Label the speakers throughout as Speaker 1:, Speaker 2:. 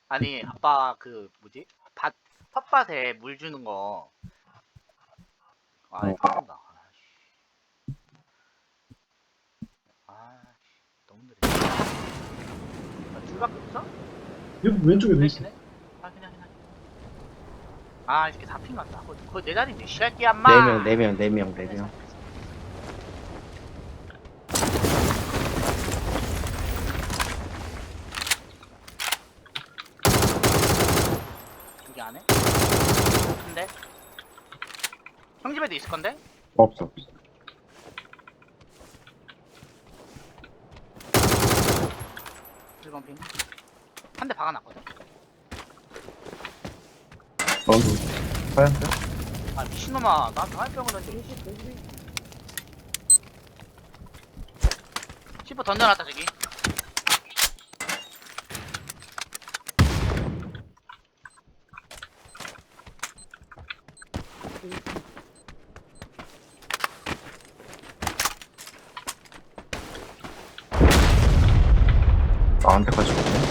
Speaker 1: 아니 아빠 그 뭐지? 밭 텃밭에 물 주는 거. 아 이거 쏜다. 아씨 너무 느려. 아, 줄밖에 없어?
Speaker 2: 여기 왼쪽에도 있어.
Speaker 1: 대신에? 확인해. 아 이렇게 다 핑간다. 거기 내 자리인데 시할게 엄마.
Speaker 3: 4명.
Speaker 1: 여기 안에? 근데 형 집에도 있을 건데?
Speaker 3: 없어.
Speaker 1: 1번 핑. 한 대 박아놨거든.
Speaker 3: 너도 화염병?
Speaker 1: 아 미친놈아 나한테 화병을 던져. 10호 던져놨다 저기.
Speaker 3: 나한테까지 오네.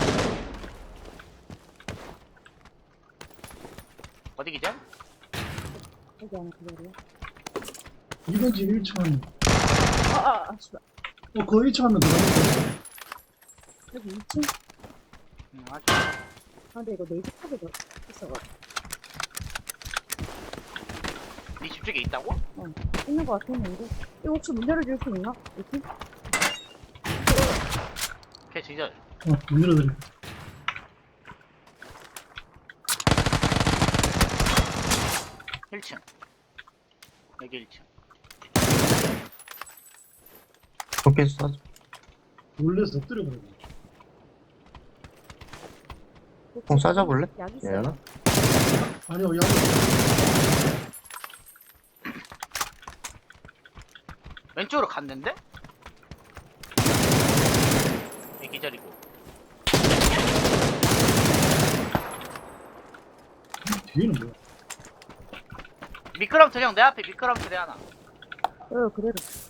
Speaker 1: 어디 기절?
Speaker 4: 여기 안에 그대로야.
Speaker 2: 이번 집 1층 하면.
Speaker 4: 씨발.
Speaker 2: 그 1층 하면 들어가는
Speaker 4: 여기 2층?
Speaker 1: 맞아.
Speaker 4: 아, 근데 이거 네이트 카드도 있어가지고.
Speaker 1: 네 집 쪽에 있다고?
Speaker 4: 있는 거 같았는데. 이거 혹시 문 열어줄 수 있나? 여기?
Speaker 1: 걔 기절.
Speaker 2: 문 열어드려.
Speaker 1: 일 1층. 여기 1층.
Speaker 3: 그렇게 쏴줘.
Speaker 2: 놀래서 엎드려버려.
Speaker 3: 형 쏴줘볼래?
Speaker 4: 약 있어요?
Speaker 3: 얘나?
Speaker 2: 아니요, 야.
Speaker 1: 왼쪽으로 갔는데? 얘 기절이고.
Speaker 2: 뒤에는 뭐야?
Speaker 1: 미끄럼틀 형 내 앞에 미끄럼틀에 하나.
Speaker 4: 그대로.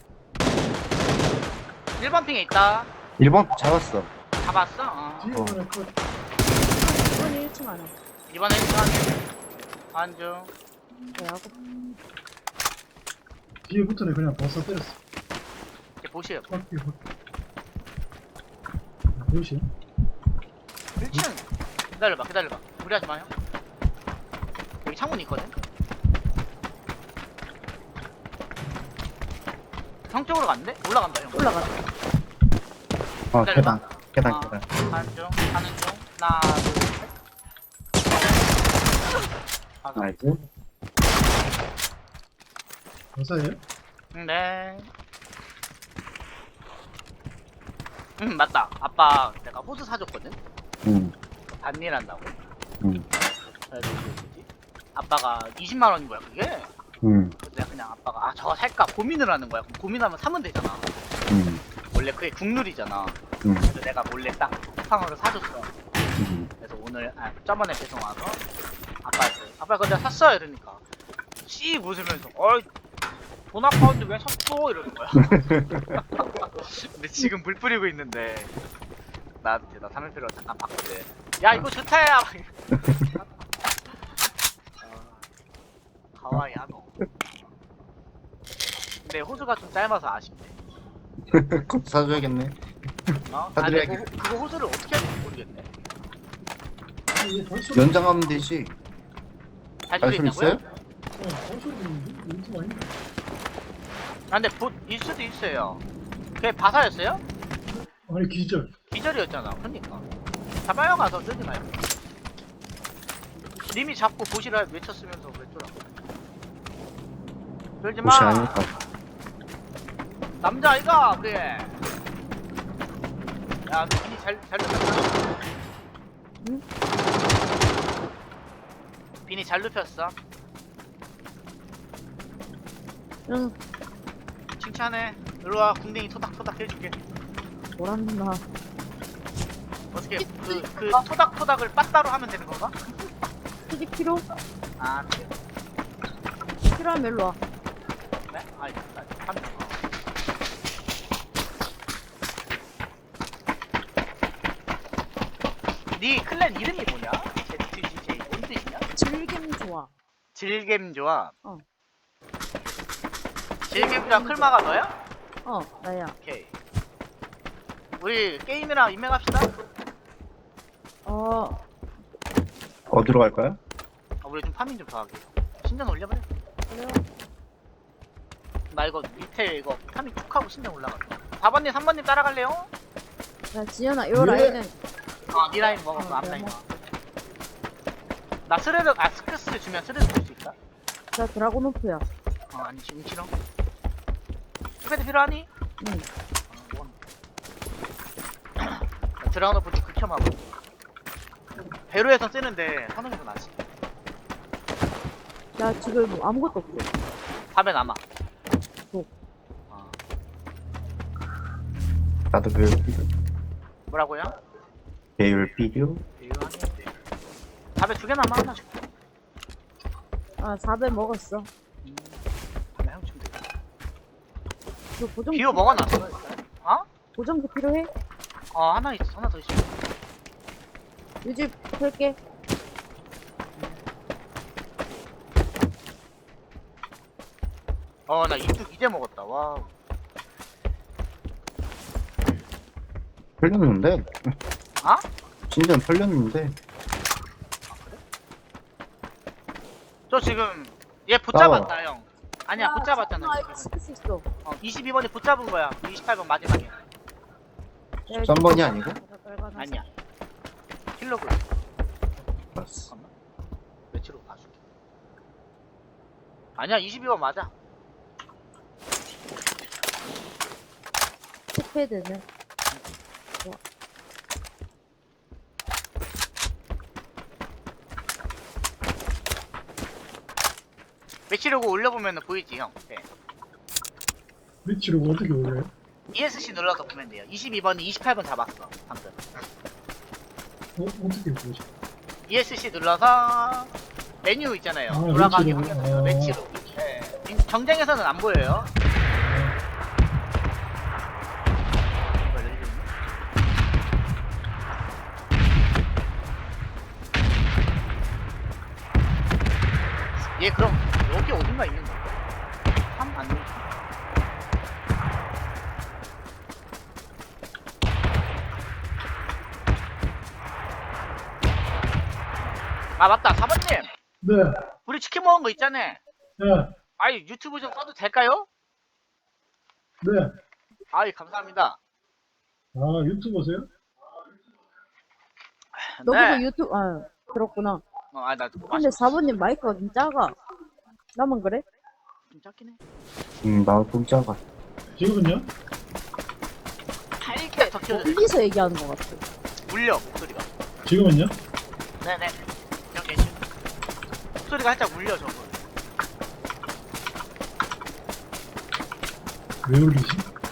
Speaker 1: 1번 핑에 있다.
Speaker 3: 1번 잡았어.
Speaker 1: 잡았어? 어.
Speaker 2: 뒤에 하나 컷.
Speaker 4: 이번에 1층 안에.
Speaker 1: 이번에 1층 안중.
Speaker 4: 네, 하고.
Speaker 2: 뒤에 붙어내 그냥 벗어 때렸어.
Speaker 1: 이렇게 보시요.
Speaker 2: 밖에 보이시?
Speaker 1: 1층. 기다려봐. 무리하지 마요. 여기 창문 있거든? 형 쪽으로 갔는데? 올라간다 형.
Speaker 4: 올라가자.
Speaker 3: 계단. 계단.
Speaker 1: 가는 중. 하나, 둘, 셋. 가자.
Speaker 3: 나이스.
Speaker 2: 벗어예요?
Speaker 1: 네. 맞다. 아빠 내가 호수 사줬거든?
Speaker 3: 응.
Speaker 1: 반일한다고.
Speaker 3: 응.
Speaker 1: 그래서 그 뭐지? 아빠가 20만 원인 거야 그게.
Speaker 3: 응.
Speaker 1: 그래서 내가 그냥 아빠가 저거 살까 고민을 하는 거야. 그럼 고민하면 사면 되잖아.
Speaker 3: 응.
Speaker 1: 원래 그게 국룰이잖아.
Speaker 3: 응.
Speaker 1: 그래서 내가 몰래 딱 쿠팡으로 사줬어.
Speaker 3: 응.
Speaker 1: 그래서 오늘 저번에 배송 와서 아빠 그거 내가 샀어 이러니까 씩 웃으면서 돈 아까운데 왜 샀어 이러는 거야. 근데 지금 물 뿌리고 있는데 나한테 나 3일표로 잠깐 봤거든. 야 이거 좋다 야. 가와이 하노. 근데 호수가 좀 짧아서 아쉽네.
Speaker 3: 그거 사줘야겠네.
Speaker 1: 아,
Speaker 3: 사드려야겠-
Speaker 1: 근데 그거 호수를 어떻게 할지 모르겠네.
Speaker 2: 벌써
Speaker 3: 연장하면 되지.
Speaker 1: 발소리
Speaker 3: 발소리
Speaker 1: 있다고요?
Speaker 3: 있어요?
Speaker 2: 벌써 있는데? 인수 아닌데?
Speaker 1: 아, 근데 일 수도 있어요. 그게 바사였어요?
Speaker 2: 아니 기절.
Speaker 1: 기절이었잖아. 그러니까 잡아요 가서 쓰지 말고. 님이 잡고 보시라 외쳤으면서 왜 쫄아? 쫄지 마.
Speaker 3: 옷이 아닐까.
Speaker 1: 남자 아이가 그래. 야, 너 비니 잘 눕혔어?
Speaker 4: 응?
Speaker 1: 비니 잘 눕혔어?
Speaker 4: 응,
Speaker 1: 칭찬해. 일로와 궁뎅이 토닥토닥 해줄게.
Speaker 4: 뭐란다.
Speaker 1: 어떻게 그 토닥토닥을 빠따로 하면 되는 건가?
Speaker 4: 휴지 필요?
Speaker 1: 아 그래.
Speaker 4: 필요하면 일로 와.
Speaker 1: 네? 아니 한 네 클랜 이름이 뭐냐? ZGJ 뭔 뜻이냐?
Speaker 4: 즐김 좋아.
Speaker 1: 질겜조합.
Speaker 4: 어.
Speaker 1: 질겜조합 클마가 너야?
Speaker 4: 나야.
Speaker 1: 오케이. 우리 게임이랑 인맥합시다.
Speaker 3: 어디로 갈까요?
Speaker 1: 우리 좀 파밍 좀 더 하게. 신전 올려버려.
Speaker 4: 그래요.
Speaker 1: 나 이거 밑에 이거 파밍 툭 하고 신전 올라갈게. 4번님 3번님 따라갈래요?
Speaker 4: 야, 지연아, 요
Speaker 2: 예.
Speaker 4: 라인은
Speaker 1: 니 라인 먹었어.
Speaker 4: 어,
Speaker 1: 앞라인
Speaker 4: 네,
Speaker 1: 먹어. 나 스레드 스크스 주면 스레드 줄 수 있다?
Speaker 4: 나 드라곤오프야.
Speaker 1: 아니 지금 싫어. 스크스 필요하니?
Speaker 4: 응.
Speaker 1: 드라운오프 좀 극혐하고. 배로에서 쓰는데 선호해서 나지.
Speaker 4: 나 지금 뭐 아무것도 없어.
Speaker 1: 밥에 남아.
Speaker 4: 뭐?
Speaker 1: 어.
Speaker 3: 나도 배율 필요.
Speaker 1: 뭐라고요?
Speaker 3: 배율 필요?
Speaker 1: 배율하니? 밥에 2개 남아 하나 줄게.
Speaker 4: 4배 먹었어.
Speaker 1: 밥에 형 주면 돼.
Speaker 4: 너
Speaker 1: 비오 먹어놨어. 어?
Speaker 4: 보정기 필요해?
Speaker 1: 하나 있어. 하나 더 있어.
Speaker 4: 요즘 풀게.
Speaker 1: 나 이뚝 이제 먹었다. 와.
Speaker 3: 풀렸는데?
Speaker 1: 아?
Speaker 3: 신전 풀렸는데?
Speaker 1: 저 지금 얘 붙잡았다 형. 아니야 붙잡았잖아.
Speaker 4: 아, 이거 지킬 수 있어.
Speaker 1: 22번이 붙잡은 거야. 28번 마지막에.
Speaker 3: 13번이 아니고?
Speaker 1: 아니야. 킬로그.
Speaker 3: 알았어.
Speaker 1: 잠깐만. 며칠로 봐줄게. 아니야 22번 맞아.
Speaker 4: 스패드는.
Speaker 1: 며칠로고 올려보면 보이지 형. 네.
Speaker 2: 위치로 어떻게 올려요?
Speaker 1: ESC 눌러서 보면 돼요. 22번이 28번 잡았어 방금.
Speaker 2: 어떻게 보죠?
Speaker 1: ESC 눌러서 메뉴 있잖아요.
Speaker 2: 아,
Speaker 1: 돌아가기
Speaker 2: 매치로.
Speaker 1: 확인해서 매치로. 네. 경쟁에서는 안 보여요. 이거 열리네. 얘 그럼 여기 어딘가 있는 건가? 3 아니면 맞다 4번님
Speaker 2: 네.
Speaker 1: 우리 치킨 먹은 거 있잖아.
Speaker 2: 네.
Speaker 1: 아이 유튜브 좀 써도 될까요?
Speaker 2: 네.
Speaker 1: 아이 감사합니다.
Speaker 2: 유튜버세요?
Speaker 4: 너도
Speaker 1: 네.
Speaker 4: 유튜브, 그렇구나.
Speaker 1: 나
Speaker 4: 근데 4번님 마이크가 좀 작아. 나만 그래?
Speaker 1: 좀 작긴 해.
Speaker 3: 나도 좀 작아.
Speaker 2: 지금은요?
Speaker 1: 살게 더 키워줘.
Speaker 4: 멀리서 얘기하는 것 같아.
Speaker 1: 울려 목소리가.
Speaker 2: 지금은요?
Speaker 1: 네네. 형 괜찮. 목소리가 살짝 울려 저거.
Speaker 2: 왜 올리지?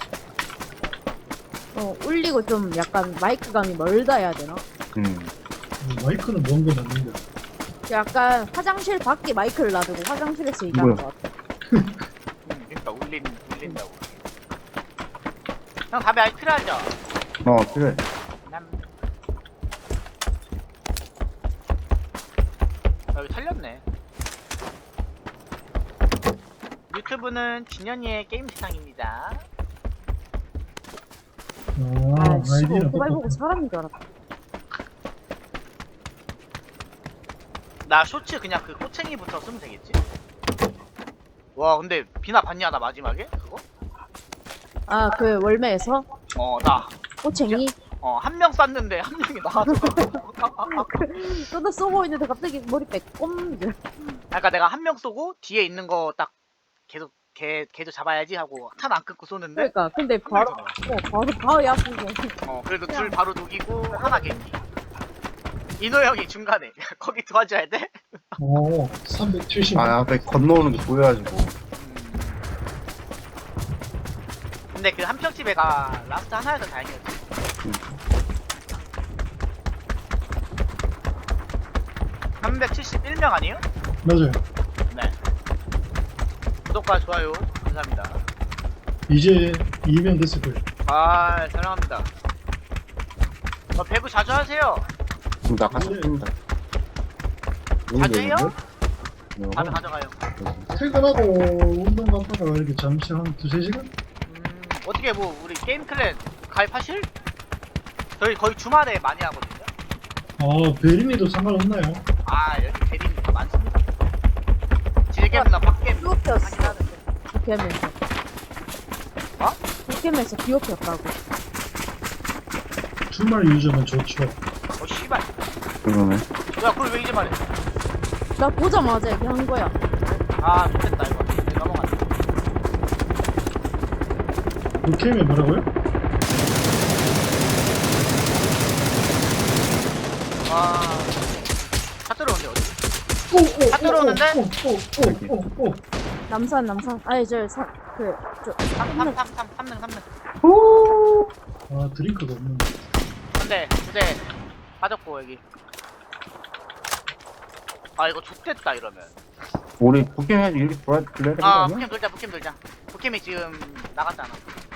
Speaker 4: 울리고 좀 약간 마이크감이 멀다 해야 되나?
Speaker 2: 마이크는 먼 건 아닌데.
Speaker 4: 약간 화장실 밖에 마이크를 놔두고 화장실에서 얘기하는 것 같아.
Speaker 1: 그러니까 울린다고. 형 답이 아직 필요하죠?
Speaker 3: 필요해.
Speaker 1: 여기 털렸네. 유튜브는 진현이의 게임 세상입니다.
Speaker 4: 씨발,
Speaker 2: 아이디는
Speaker 4: 오토바이 보고
Speaker 2: 똑같아.
Speaker 4: 사람인 줄 알았다.
Speaker 1: 나 쇼츠 그냥 그 꼬챙이부터 쓰면 되겠지? 와 근데 비나 봤냐 나 마지막에 그거?
Speaker 4: 그 월매에서
Speaker 1: 나
Speaker 4: 꼬챙이
Speaker 1: 한 명 쐈는데 한 명이 나와서
Speaker 4: 쏟아 쏘고 있는데 갑자기 머리 빼꼼.
Speaker 1: 그러니까 내가 한 명 쏘고 뒤에 있는 거 딱 계속 걔도 잡아야지 하고 탄 안 끊고 쏘는데
Speaker 4: 그러니까 근데 바로 야구고.
Speaker 1: 그래도 둘 바로 녹이고 하나 겐지. 인호 형이 중간에 거기 도와줘야 돼?
Speaker 2: 370.
Speaker 3: 앞에 건너오는 게 보여가지고.
Speaker 1: 근데 그 한평집애가 라스트 하나여서 다행이었지.
Speaker 3: 음.
Speaker 1: 371명 아니에요?
Speaker 2: 맞아요.
Speaker 1: 네. 구독과 좋아요 감사합니다.
Speaker 2: 이제 2명 됐을 거예요.
Speaker 1: 사랑합니다. 배구 자주 하세요.
Speaker 3: 나 가서 뛴다.
Speaker 1: 가져요?
Speaker 3: 어,
Speaker 1: 다들 가져가요.
Speaker 2: 퇴근하고 운동 갔다가 이렇게 잠시 한 두세 시간?
Speaker 1: 어떻게 뭐 우리 게임 클랜 가입하실? 저희 거의 주말에 많이 하거든요.
Speaker 2: 아, 베린이도 상관없나요?
Speaker 1: 아 여기 대리님 많습니다. 질겜이나 빡겜
Speaker 4: 비오피였어.
Speaker 1: 하긴 하는데.
Speaker 4: 도캠에서.
Speaker 1: 어?
Speaker 4: 도캠에서 비오피였다고.
Speaker 2: 주말 유저면 좋죠.
Speaker 1: 어 씨발.
Speaker 3: 그러네.
Speaker 1: 야 그걸 왜 이제 말해?
Speaker 4: 나 보자마자 얘기한 거야.
Speaker 1: 아 좋겠다 이거. 이제 넘어가자.
Speaker 2: 그 캠이 뭐라고요?
Speaker 1: 와. 차 들어오는데 어디?
Speaker 2: 오, 오,
Speaker 1: 다 들어오는데?
Speaker 2: 오.
Speaker 4: 남산. 아니, 저.
Speaker 1: 3능 3능.
Speaker 2: 아, 드링크가 없는데.
Speaker 1: 근데 부대 빠졌고 여기. 아 이거 좋겠다 이러면.
Speaker 3: 우리 북경 해야지 이렇게 불러야 되는 거
Speaker 1: 아
Speaker 3: 아니야?
Speaker 1: 북캠 돌자. 북캠이 지금 나갔잖아.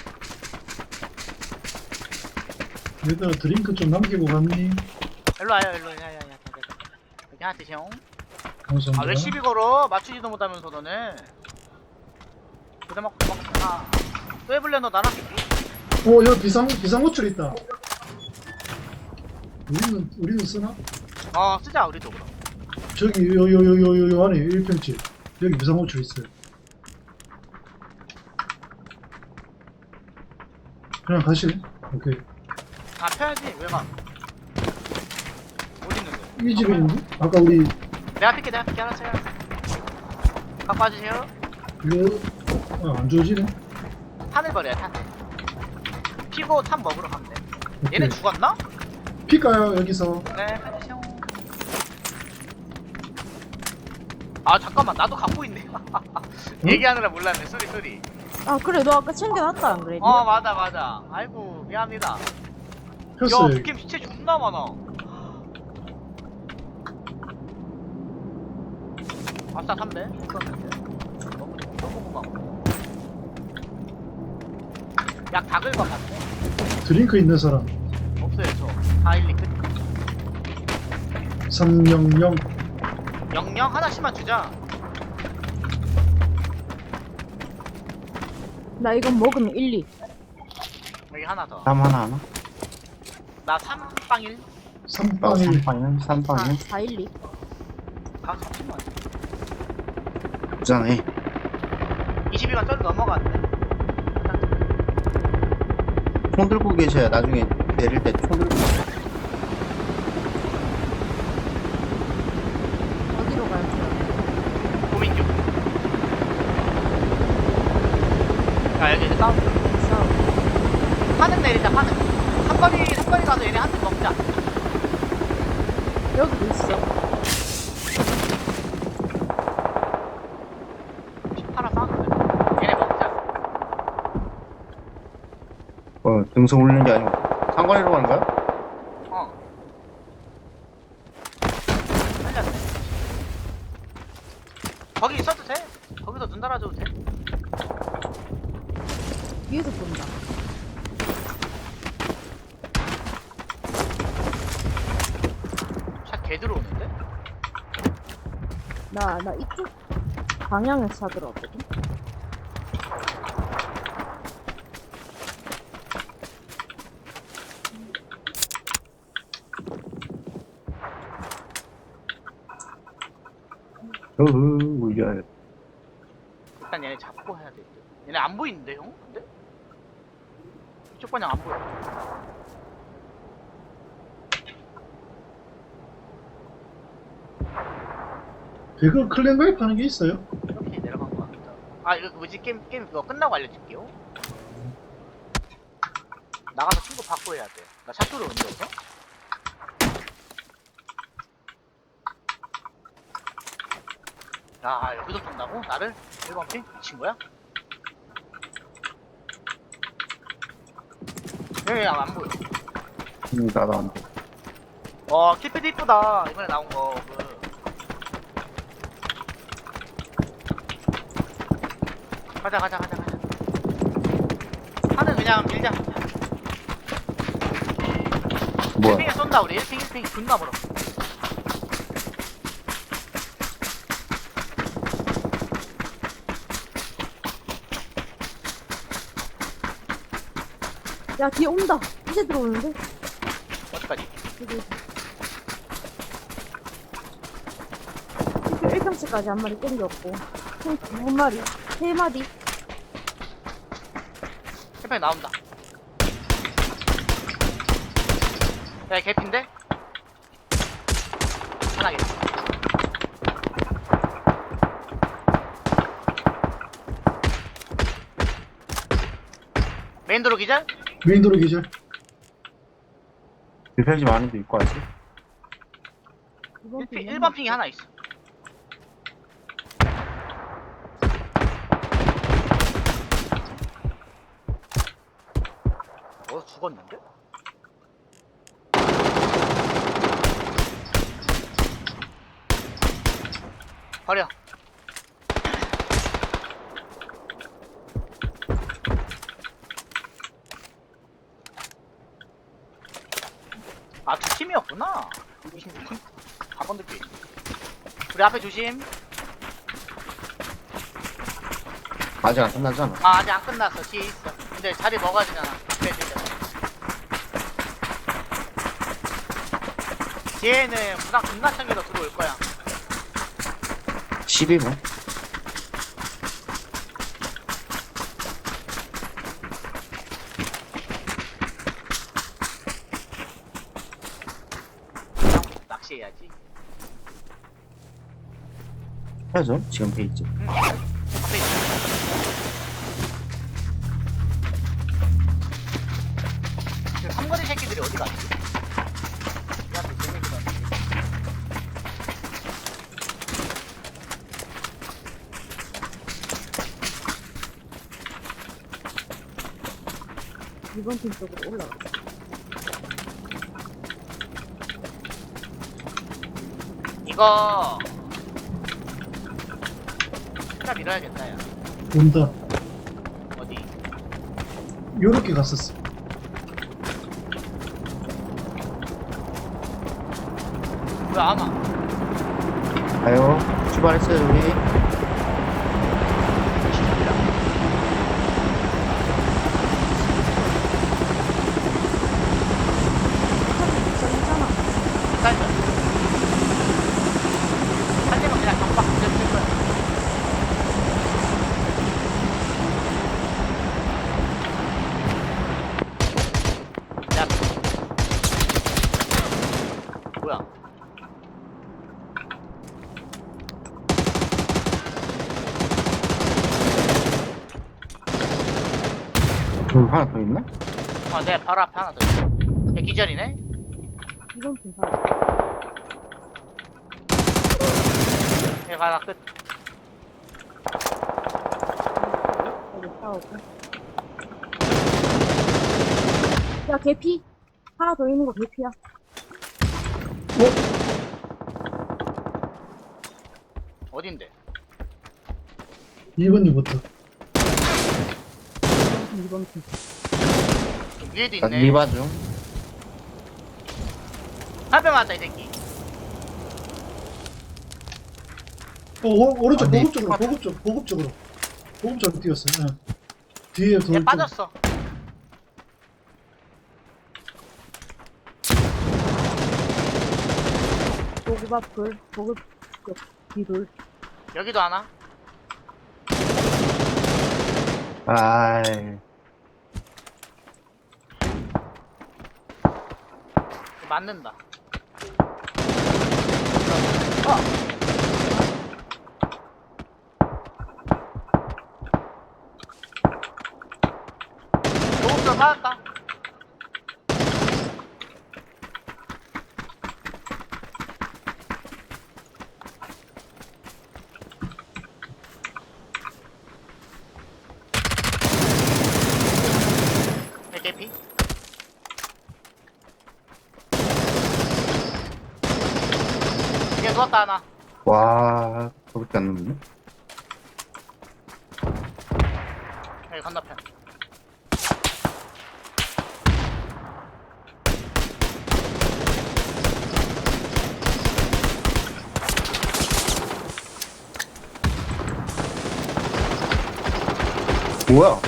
Speaker 2: 얘들아, 드링크 좀 남기고 갔니?
Speaker 1: 일로 와요 야야야. 여기 하나 드세요.
Speaker 2: 감사합니다.
Speaker 1: 아왜 시비 걸어? 맞추지도 못하면서 너네. 부대 먹고 도망가. 또 해볼래 너 나랑?
Speaker 2: 오, 여기 비상호출 있다. 우리는 쓰나?
Speaker 1: 쓰자 우리도 그럼.
Speaker 2: 저기, 요 안에 1평집. 여기 비상호출 있어요. 그냥 가실래? 오케이.
Speaker 1: 아 펴야지 왜 가? 어디 있는데?
Speaker 2: 이 집에 있는데? 아까 우리,
Speaker 1: 내가 필게 알았어요. 갖고 와주세요.
Speaker 2: 이거, 안 좋아지네?
Speaker 1: 탄을 버려요 탄. 피고 탄 먹으러 가면 돼.
Speaker 2: 오케이.
Speaker 1: 얘네 죽었나?
Speaker 2: 필까요, 여기서?
Speaker 1: 네 해주세요. 아 잠깐만 나도 갖고 있네. 얘기하느라 몰랐네. 쏘리.
Speaker 4: 아, 그래. 너 아까 챙겨놨다, 안 그래?
Speaker 1: 맞아. 아이고 미안합니다. 야
Speaker 2: 폈어요.
Speaker 1: 북캠 시체 존나 많아. 아싸 3배. 너무 고마워. 약 다 긁어봤네.
Speaker 2: 드링크 있는 사람.
Speaker 1: 없어요 저. 412 끝.
Speaker 2: 300.
Speaker 1: 영영 하나씩만 주자.
Speaker 4: 나 이건 먹으면 1, 2.
Speaker 1: 여기 하나 더.
Speaker 3: 삼 하나?
Speaker 1: 나 3빵1.
Speaker 2: 3빵일.
Speaker 3: 3빵이야?
Speaker 4: 4, 1, 2.
Speaker 1: 아 잠시만.
Speaker 3: 부자네.
Speaker 1: 22가 쩔 넘어갔네.
Speaker 3: 총 들고 계셔야 나중에 내릴 때 총 들고.
Speaker 4: 어디로 갈지?
Speaker 1: 고민 중. 야 여기 이제 싸움. 파는 내리자 파는. 삼거리 가서 얘네 한 대 먹자.
Speaker 4: 여기도 있어.
Speaker 1: 하나 싸우는데. 얘네 먹자.
Speaker 3: 등성 올리는 게 아니고 상관이라고 하는 거야?
Speaker 1: 살렸네. 거기 있어도 돼. 거기서 눈 달아줘도 돼.
Speaker 4: 위에서 본다.
Speaker 1: 샷 개 들어오는데?
Speaker 4: 나 이쪽 방향에서 차 들어왔거든.
Speaker 3: 울려야 돼.
Speaker 1: 일단 얘네 잡고 해야 돼. 얘네 안 보이는데 형? 근데? 이쪽 방향 안 보여.
Speaker 2: 배그 클랜 가입하는 게 있어요?
Speaker 1: 이렇게 내려간 거 같다. 아 이거 뭐지 게임 그거 끝나고 알려줄게요. 나가서 친구 받고 해야 돼. 나 샷도로 옮겨서. 야 여기서 쏜다고? 나를? 1번 핑? 미친 거야? 안 보여.
Speaker 3: 나도 안 돼.
Speaker 1: 킬패드 이쁘다. 이번에 나온 거. 가자. 하는 그냥 밀자.
Speaker 3: 뭐야?
Speaker 1: 핑에 쏜다. 쏜다 우리 1핑 1핑 존나 멀어.
Speaker 4: 야, 뒤에 온다. 이제 들어오는데?
Speaker 1: 어디까지?
Speaker 4: 여기. 1평치까지 한 마리 땡겼고. 총 2마리, 3마리.
Speaker 1: 1핑 나온다. 야 개핀데? 하나겠다. 메인도로 기절?
Speaker 2: 메인도로 기절.
Speaker 3: 불편집 안에도 있고 아직.
Speaker 1: 1번 핑이 하나 있어. 죽었는데? 버려. 아, 두 팀이었구나. 26팀? 4번 느낌. 우리 앞에 조심.
Speaker 3: 아직 안 끝나잖아.
Speaker 1: 아, 아직 안 끝났어. 뒤에 있어. 근데 자리 먹어야 되잖아. 앞에 있을 때. 뒤에는 부상 존나 챙겨서 들어올 거야.
Speaker 3: 12분.
Speaker 1: 그냥 낚시해야지.
Speaker 3: 해야죠. 지금 페이지.
Speaker 1: 응. 앞에 있어. 그 삼거리 새끼들이 어디 갔지? 야, 그 새끼들 어디 갔지?
Speaker 4: 이번 팀 쪽으로 올라가.
Speaker 1: 이거 진짜 밀어야겠다. 야.
Speaker 2: 온다.
Speaker 1: 어디?
Speaker 2: 요렇게 갔었어.
Speaker 1: 왜 안 와?
Speaker 3: 가요. 출발했어요 우리.
Speaker 4: 괜찮아.
Speaker 1: 기다려. 한 대만 그냥 경박 그대로 칠 거야. 야. 뭐야?
Speaker 3: 여기 하나 더 있나?
Speaker 1: 아, 내 바로 앞에 하나 더 있어. 얘 기절이네?
Speaker 4: 이번 팀 봐.
Speaker 1: 얘 하나 끝.
Speaker 4: 여기 싸우고. 야, 개피. 하나 더 있는 거 개피야.
Speaker 1: '어딘데?
Speaker 2: 1번님부터.
Speaker 4: 이번 팀.
Speaker 1: 위에도
Speaker 3: 나
Speaker 1: 있네.
Speaker 3: 리바 중.
Speaker 1: 한대 맞았다, 이 새끼.
Speaker 2: 오른쪽,
Speaker 3: 아, 네.
Speaker 2: 보급 쪽으로, 보급 쪽으로. 보급 쪽으로 뛰었어. 응. 뒤에
Speaker 1: 얘
Speaker 2: 돌.
Speaker 1: 빠졌어.
Speaker 4: 보급 앞 돌, 보급 쪽, 뒤돌.
Speaker 1: 여기도 하나.
Speaker 3: 아이.
Speaker 1: 맞는다. 조급전 맞았다. 개피. 얘 누웠다 하나.
Speaker 3: 와. 그렇게 안 넘네.
Speaker 1: 여기 건너편.
Speaker 3: 뭐야?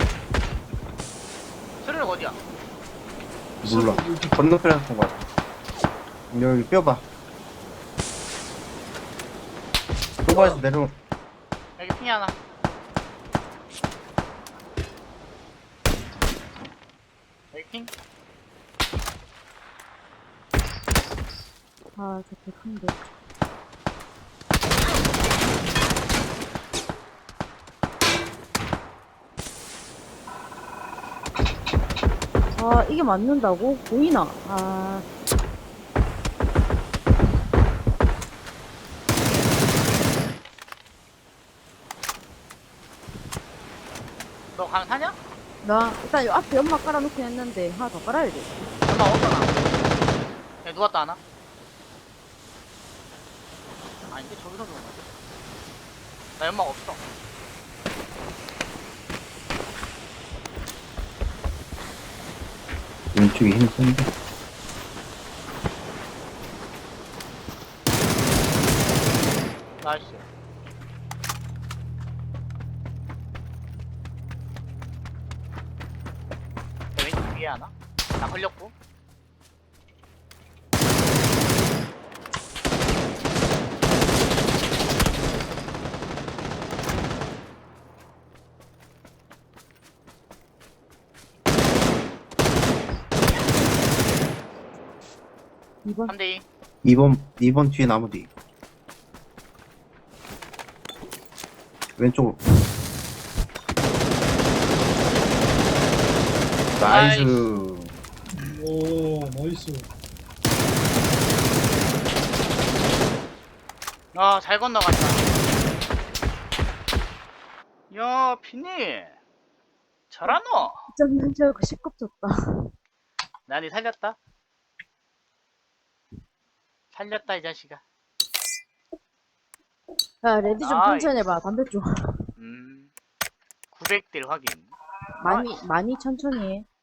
Speaker 1: 스르륵 어디야?
Speaker 3: 몰라. 건너편에서 본 거야. 여기 뼈봐. 소바에서 내려.
Speaker 1: 여기 핑이 하나. 여기 핑?
Speaker 4: 아, 저게 큰데. 아, 이게 맞는다고? 보이나? 아,
Speaker 1: 너 강 사냐?
Speaker 4: 나 일단 요 앞에 연막 깔아놓긴 했는데 하나 더 깔아야 돼.
Speaker 1: 엄마 어디나? 야 누가 또 하나? 아닌데 저기서 들어온 거지? 나 연막 없어.
Speaker 3: 왼쪽에 힘 센데.
Speaker 1: 나이스. 내 왼쪽 위에 하나? 나 걸렸고.
Speaker 4: 이번
Speaker 1: 3대2.
Speaker 3: 2번 뒤에 나무 뒤. 왼쪽으로. 나이스.
Speaker 2: 오, 나이스.
Speaker 1: 아, 잘 건너갔다. 야, 피니. 잘하노?
Speaker 4: 점는 줄 알고 시끄럽졌다.
Speaker 1: 나 니 살렸다. 살렸다, 이 자식아.
Speaker 4: 야, 레디 좀
Speaker 1: 아이.
Speaker 4: 천천히 해봐. 담배 좀.
Speaker 1: 900딜 확인.
Speaker 4: 많이 천천히 해.